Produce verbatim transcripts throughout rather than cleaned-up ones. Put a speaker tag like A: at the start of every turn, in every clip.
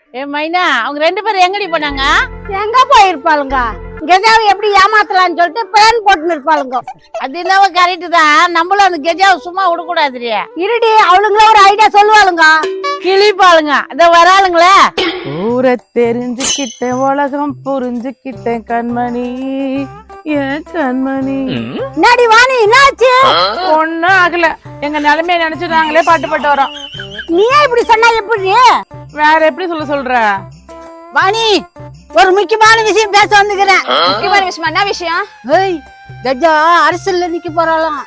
A: ஏ மைனா அவங்க ரெண்டு பேரும் எங்கடி போனாங்க?
B: எங்க போயிருப்பாளுங்க? கெஜாவை எப்படி ஏமாத்தலாம்னு சொல்லிட்டு பிளான் போட்டு இருப்பாளுங்க.
A: அது என்னவோ கரெக்ட் தான். நம்மளும் அந்த கெஜாவை சும்மா விடக்கூடாதுரிய.
B: இருடி, அவளுங்கள ஒரு ஐடியா சொல்லுவாளுங்க.
A: கிளிப்பாளுங்க அத வராளுங்களே.
C: ஊரை தெரிஞ்சுக்கிட்டேன், உலகம் புரிஞ்சுக்கிட்டேன் கண்மணி, ஏன் கண்மணி.
B: என்னடி வாணி, என்னாச்சு?
C: ஒண்ணும் ஆகல. எங்க நிலைமைய நினைச்சு நாங்களே பாட்டு பாட்டு வரோம்.
B: நீ இப்படி சொன்னா எப்படி?
C: வேற எப்படி சொல்ல சொல்ற?
B: வாணி, ஒரு முக்கியமான விஷயம் பேச வந்துக்கிறேன்.
D: முக்கியமான விஷயமா? என்ன விஷயம்?
B: ஏய், கஜா அரசியல்ல நிக்க போறாளாம்.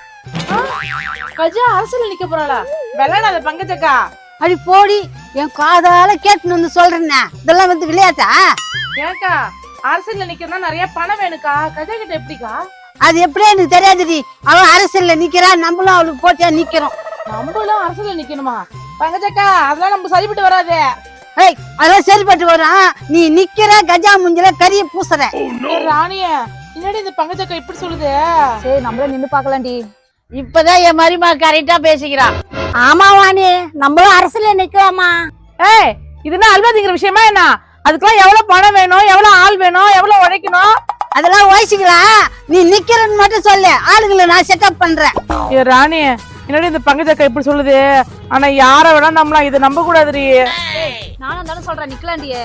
C: கஜா அரசியல் நிக்க போறாளா? வெள்ளாடாத பங்கஜக்கா.
B: அடி போடி, என் காதால கேட்டுன்னு வந்து சொல்றேன்னா இதெல்லாம் வந்து விளையாட்டா?
C: ஏக்கா அரசியல்ல நிக்கணும்னா நிறைய பணம் வேணுக்கா. கஜா கிட்ட எப்படிக்கா?
B: அது எப்படியே எனக்கு தெரியாதுடி. அவன் அரசியல்ல நிக்கிறா, நம்மளும் அவளுக்கு போட்டியா நிக்கிறோம்.
C: நம்மளும் அரசியல்ல நிக்கணுமா? பங்கஜக்கா அதெல்லாம் நம்ம சரிப்பட்டு வராதே.
B: ஏய், அதெல்லாம் சரிப்பட்டு வரும். நீ நிக்கிற கஜா முஞ்சில கரிய பூசுற.
C: ராணிய என்னடி இந்த பங்கஜக்கா இப்படி சொல்லுது?
D: சரி, நம்மள நின்னு பாக்கலாம்டி.
A: இப்பதான் என் மருமா கரெக்டா பேசிக்கிறான்.
B: ஆமா வாணி, நம்மளும் அரசியல்ல நிக்கலாமா?
C: ஏய், இதுனா அல்வாதிங்கிற விஷயமா என்ன? அதுக்கெல்லாம் எவ்வளவு பணம் வேணும், எவ்வளவு ஆள் வேணும், எவ்வளவு உழைக்கணும்?
B: அதெல்லாம் ஓசிக்கலாம். நீ நிக்கிறன்னு மட்டும் சொல்லு, ஆளுங்களை நான் செட்டப் பண்றேன்.
C: ஏ ராணி, என்னடி இந்த பங்கஜக்கா இப்படி சொல்லுது? ஆனா யார வேணா நம்மளாம் இதை நம்ப கூடாதுடி.
D: நானும் தானே சொல்றேன், நிக்கலாண்டியே.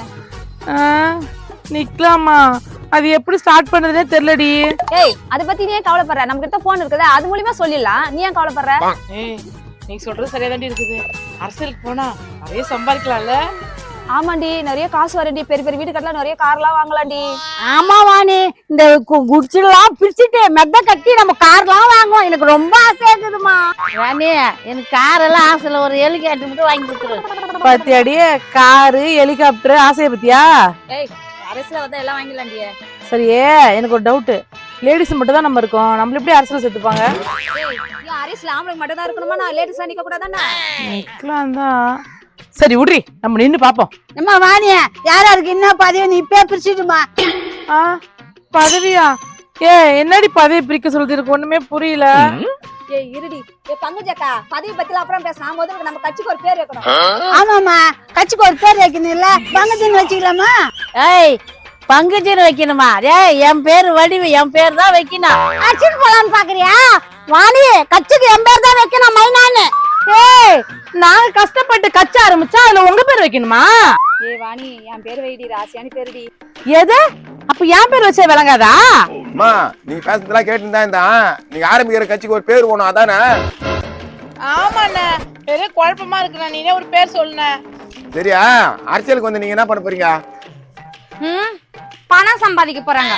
C: நிக்கலாமா? அது எப்படி ஸ்டார்ட் பண்றதுனே தெரியலடி.
D: ஏய், அத பத்தி நீ ஏன் கவலைப்படுற? நம்ம கிட்ட போன் இருக்குதா, அது மூலியமா சொல்லிடலாம். நீ ஏன் கவலைப்படுற?
C: ஏய், நீ சொல்றது சரியா தாண்டி இருக்குது. அரசியலுக்கு போனா நிறைய சம்பாதிக்கலாம்ல?
D: ஆமாண்டி, நிறைய காசு வரண்டி. பெரிய பெரிய வீடு கட்டலாம், நிறைய கார்லாம் வாங்கலாம்டி.
B: ஆமா வாணி, இந்த குடிச்சிடலாம் பிரிச்சுட்டு மெத்த கட்டி நம்ம கார்லாம் வாங்குவோம். எனக்கு ரொம்ப ஆசையா இருக்குதுமா.
A: ராணி எனக்கு கார் எல்லாம் ஆசையில ஒரு ஹெலிகாப்டர் மட்டும் வாங்கி கொடுத்துரு.
C: பாத்தியாடியே, காரு ஹெலிகாப்டர் ஆசைய பத்தியா?
D: ஏய், அரசியல வந்தா எல்லாம் வாங்கிடலாண்டியே.
C: சரியே, எனக்கு ஒரு டவுட். லேடிஸ் மட்டும் தான் நம்ம இருக்கோம், நம்மள எப்படி அரசியல் சேர்த்துப்பாங்க?
D: ஏய், அரசியல ஆம்பளைங்க மட்டும் தான் இருக்கணுமா? நான் லேடிஸ் நிக்க கூடாதானே?
C: நிக்கலாம் தான். சரி விட்ரி, நம்ம நின்னு பாப்போம்.
B: அம்மா வாணிய, யாரா இருக்கு என்ன பதவி நீ இப்பே பிரிச்சுடுமா?
C: ஆ, பதவியா? ஏ என்னடி பதவி பிரிக்க சொல்றது? எனக்கு ஒண்ணுமே புரியல.
D: ஏய் இருடி. ஏய் பங்கஜக்கா, பதவி பத்தில அப்புறம் பேசலாம். முதல்ல நம்ம கட்சிக்கு ஒரு பேர் வைக்கணும்.
B: ஆமாமா, கட்சிக்கு ஒரு பேர் வைக்கணும். இல்ல பங்கஜன் வச்சுக்கலாமா?
A: ஏய், பங்குச்சின்னு வைக்கணுமா? ஏய், என் பேரு வடிவு, என் பேர் தான் வைக்கணும்.
B: அடிச்சுட்டு போலான்னு பாக்குறியா? வாணி, கட்சிக்கு என் பேர் தான் வைக்கணும், மைனான்னு.
C: ஏய், நாங்க கஷ்டப்பட்டு கட்சி ஆரம்பிச்சா அதுல உங்க பேர் வைக்கணுமா?
D: ஏய் வாணி, என் பேர் வைடி, ராசியானி பேருடி.
C: எது? அப்ப என் பேர் வச்சா விளங்காதா?
E: அம்மா, நீங்க பேசுறதெல்லாம் கேட்டுதான் இருந்தா நீங்க ஆரம்பிக்கிற கட்சிக்கு ஒரு பேர் போகணும், அதானே?
C: ஆமாண்ணே, பெரிய குழப்பமா இருக்குண்ணா. நீனே ஒரு பேர் சொல்லுண்ணே.
E: சரியா? அரசியலுக்கு வந்து நீங்க என்ன பண்ண போறீங்க?
D: ம், பணம் சம்பாதிக்க போறாங்க.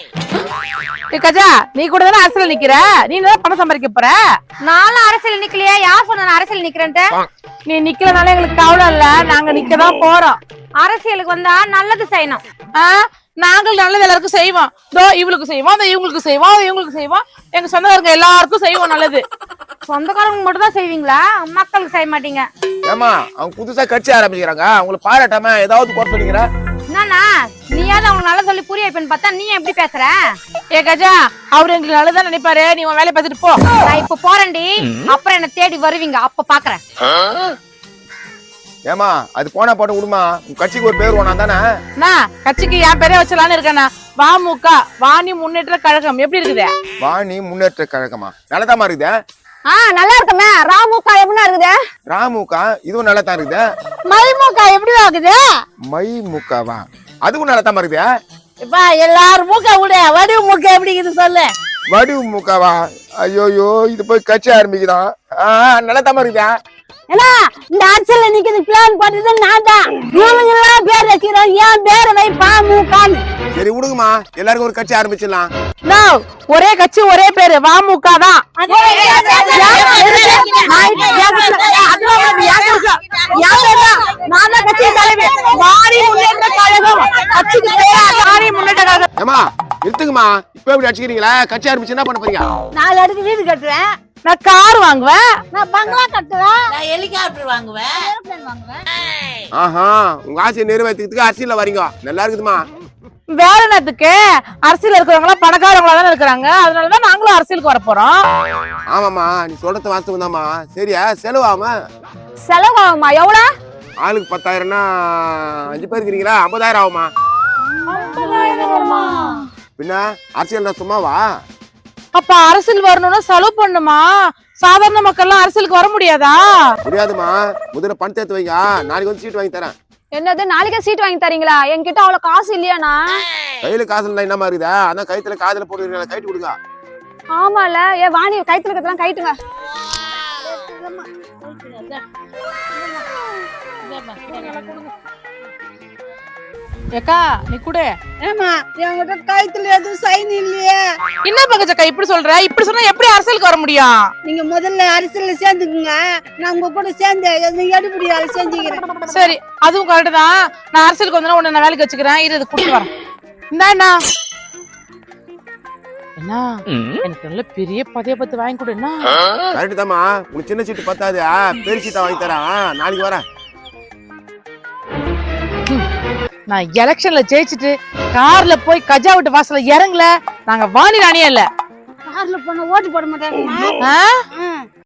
C: ஏய் கஜா, நீ கூட தானே அரசியல் நிக்கிற, நீ தான் பணம் சம்பாதிக்க போற.
D: நானும் அரசியல் நிக்கலையா? யார் சொன்ன நான் அரசியல் நிக்கிறேன்ட்டு?
C: நீ நிக்கலனால எங்களுக்கு கவலை இல்ல, நாங்க நிக்கதான் போறோம்.
D: அரசியலுக்கு வந்தா நல்லது செய்யணும்.
C: ஆ, நாங்கள் நல்லது எல்லாருக்கும் செய்வோம். தோ இவளுக்கு செய்வோம், அந்த இவங்களுக்கு செய்வோம், இவங்களுக்கு செய்வோம், எங்க சொந்தக்காரங்க எல்லாருக்கும் செய்வோம் நல்லது.
D: சொந்தக்காரங்க மட்டும் தான் செய்வீங்களா? மக்களுக்கு செய்ய மாட்டீங்க.
E: ஏமா, அவங்க புதுசா கட்சி ஆரம்பிக்கிறாங்க, அவங்களை பாராட்டாம ஏதாவது குறை சொல்லிக்கிற?
D: என்னன்னா, நீயாவது அவங்களுக்கு நல்லா சொல்லி புரிய வைப்பேன்னு பார்த்தா நீ எப்படி பேசுற?
C: ஏ கஜா, அவரு எங்களுக்கு நல்லதான் நினைப்பாரு. நீ உன் வேலையை பார்த்துட்டு போ.
D: நான் இப்ப போறேன்டி, அப்புறம் என்ன தேடி வருவீங்க, அப்ப பாக்குறேன்.
E: ஏமா, அது போனா போட்டு விடுமா, உங்க கட்சிக்கு ஒரு பேர் வேணும் தானே?
C: நான் கட்சிக்கு என் பேரே வச்சலான்னு இருக்கேண்ணா. வாமுக, வாணி முன்னேற்ற கழகம். எப்படி இருக்குது?
E: வாணி முன்னேற்ற கழகமா? நல்லதாமா இருக்குது.
D: ஆ, நல்லா இருக்குமே. ராமுகா எப்படின்னா இருக்குது?
E: ராமுகா இதுவும் நல்லதான் இருக்குது.
B: மைமுகா எப்படி ஆகுது?
E: மை முக்காவா? அதுவும் நல்லதாமா இருக்குது.
A: இப்ப எல்லாரும் மூக்க விடு, வடிவு மூக்க எப்படி இருக்குது சொல்லு.
E: வடிவு முக்காவா? ஐயோயோ, இது போய் கட்சி ஆரம்பிக்குதான். ஆஹ், நல்லதாமா இருக்குதா?
B: ஏன்னா இந்த அரசியல்ல நிக்கிறது பிளான் போட்டது நான் தான். இவங்க எல்லாம் பேர் வச்சுக்கிறோம், ஏன் பேரை வை பாமுகான்னு.
E: சரி விடுங்கம்மா, எல்லாருக்கும் ஒரு கட்சி ஆரம்பிச்சிடலாம்.
C: நோ, ஒரே கட்சி ஒரே பேரு, வாமுக தான்.
E: ஏமா நிறுத்துங்கம்மா, இப்ப எப்படி அடிச்சுக்கிறீங்களா? கட்சி ஆரம்பிச்சு என்ன பண்ண போறீங்க?
B: நாலு அடுக்கு வீடு கட்டுறேன்,
C: நான் கார் வாங்குவேன்,
B: நான் பங்களா கட்டுவேன்,
A: நான் ஹெலிகாப்டர் வாங்குவேன்.
B: ஏரோப்ளேன் வாங்குவேன்.
E: ஆஹா, உங்க ஆசையை நிறைவேற்றுறதுக்கு அரசியல்ல வரீங்க, நல்லா இருக்குதுமா.
C: வேற என்னத்துக்கு? அரசியல் இருக்கிறவங்க எல்லாம் பணக்காரங்களா தானே இருக்கிறாங்க, அதனாலதான் நாங்களும் அரசியலுக்கு வர போறோம்.
E: ஆமாமா, நீ சொல்றது வாஸ்தவம் தான்மா. சரியா? செலவாம
D: செலவாகுமா? எவ்வளவு?
E: ஆளுக்கு பத்தாயிரம்னா அஞ்சு பேர் இருக்கிறீங்களா ஐம்பதாயிரம் ஆகுமா? பின்ன அரசியல் சும்மாவா?
C: அப்ப அரசியல் வரணும்னா செலவு பண்ணுமா? சாதாரண மக்கள்லாம் அரசியலுக்கு வர முடியாதா?
E: முடியாதுமா, முதல்ல பணம் சேர்த்து வைங்க, நாளைக்கு வந்து சீட் வாங்கி தரேன்.
D: என்னது நாளைக்கே சீட் வாங்கி தரீங்களா? என்கிட்ட அவ்வளவு காசு இல்லையாண்ணா.
E: கையில காசு இல்லை என்னமா இருக்குதா? அதான் கைத்துல காதுல போட்டு கைட்டு கொடுங்க.
D: ஆமால ஏ வாணி கைத்துல இருக்கிறதெல்லாம் கைட்டுங்க.
C: ஏக்கா நீ கூட
B: ஏமா என்கிட்ட கைத்துல எதுவும் சைன் இல்லையே.
C: என்ன பங்கஜக்கா இப்படி சொல்ற? இப்படி சொன்னா எப்படி அரசியலுக்கு வர முடியும்?
B: நீங்க முதல்ல அரசியல்ல சேர்ந்துக்குங்க, நான் உங்க கூட சேர்ந்து எடுபடி வேலை செஞ்சுக்கிறேன்.
C: சரி அதுவும் கரெக்ட் தான். நான் அரசியலுக்கு வந்தா உன்னை நான் வேலைக்கு வச்சுக்கிறேன். இரு கூப்பிட்டு வரேன். இந்தாண்ணா என்ன எனக்கு நல்ல பெரிய பதைய பத்து வாங்கி கொடு. என்ன
E: கரெக்ட் தாமா, உங்களுக்கு சின்ன சீட்டு பத்தாது, பெரிய சீட்டா வாங்கி தரேன், நாளைக்கு வரேன்.
C: நான் எலெக்ஷன்ல ஜெயிச்சுட்டு கார்ல போய் கஜா விட்டு வாசல்ல இறங்கல, நாங்க வாணி ராணியே இல்ல.
B: கார்ல போன ஓட்டு போட மாட்டாங்க.